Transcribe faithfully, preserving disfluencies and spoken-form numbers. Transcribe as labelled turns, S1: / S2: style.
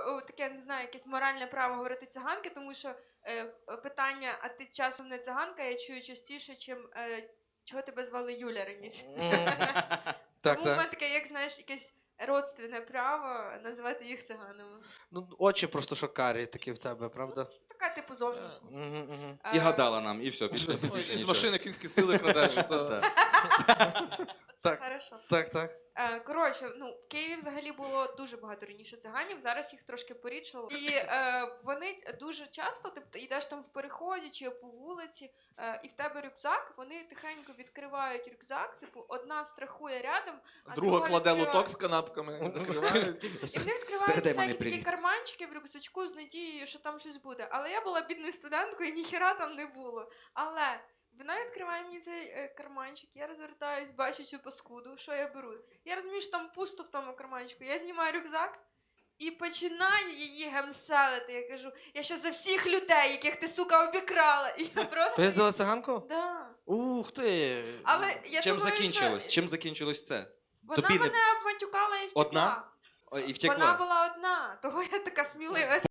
S1: о, таке, не знаю, якесь моральне право говорити циганки, тому що е, питання, а ти часом не циганка, я чую частіше, чим е, чого тебе звали Юля раніше.
S2: Так,
S1: Тому в мене
S2: так.
S1: таке, як знаєш, якесь родственне право називати їх циганами.
S2: Ну, очі просто шокарі такі в тебе, правда?
S1: Така типу зовнішність.
S2: Мгм, мгм.
S3: І
S1: Е,
S3: гадала нам, і все, більше,
S4: Ой,
S3: більше
S4: Із
S3: нічого.
S4: машини кінські сили крадеш. то-
S3: Так.
S1: Це
S2: Так.
S1: хорошо.
S2: Так, так.
S1: Е, Коротше, ну, в Києві взагалі було дуже багато раніше циганів, зараз їх трошки порідшало. І е, вони дуже часто, тобто йдеш там в переході чи по вулиці, е, і в тебе рюкзак, вони тихенько відкривають рюкзак, типу, одна страхує рядом, а
S4: Друга кладе
S1: відкриває.
S4: лоток з канапками, закриває.
S1: І вони відкривають
S3: Передай мамі
S1: всякі такі
S3: привіт.
S1: карманчики в рюкзачку з надією, що там щось буде. Але я була бідною студенткою, і ніхіра там не було. Але вона відкриває мені цей е, карманчик, я розвертаюсь, бачу цю паскуду, що я беру. Я розумію, що там пусто в тому карманчику. Я знімаю рюкзак і починаю її гемселити. Я кажу, я ще за всіх людей, яких ти, сука, обікрала. І я просто...
S2: Поїздила циганку?
S1: Да.
S2: Ух ти!
S1: Але я
S3: Чим
S1: думаю,
S3: закінчилось?
S1: що
S3: Чим закінчилось це?
S1: вона
S3: Тобі не-
S1: мене обматюкала і втекла.
S3: Одна? О, і втекла.
S1: Вона була одна, того я така смілива.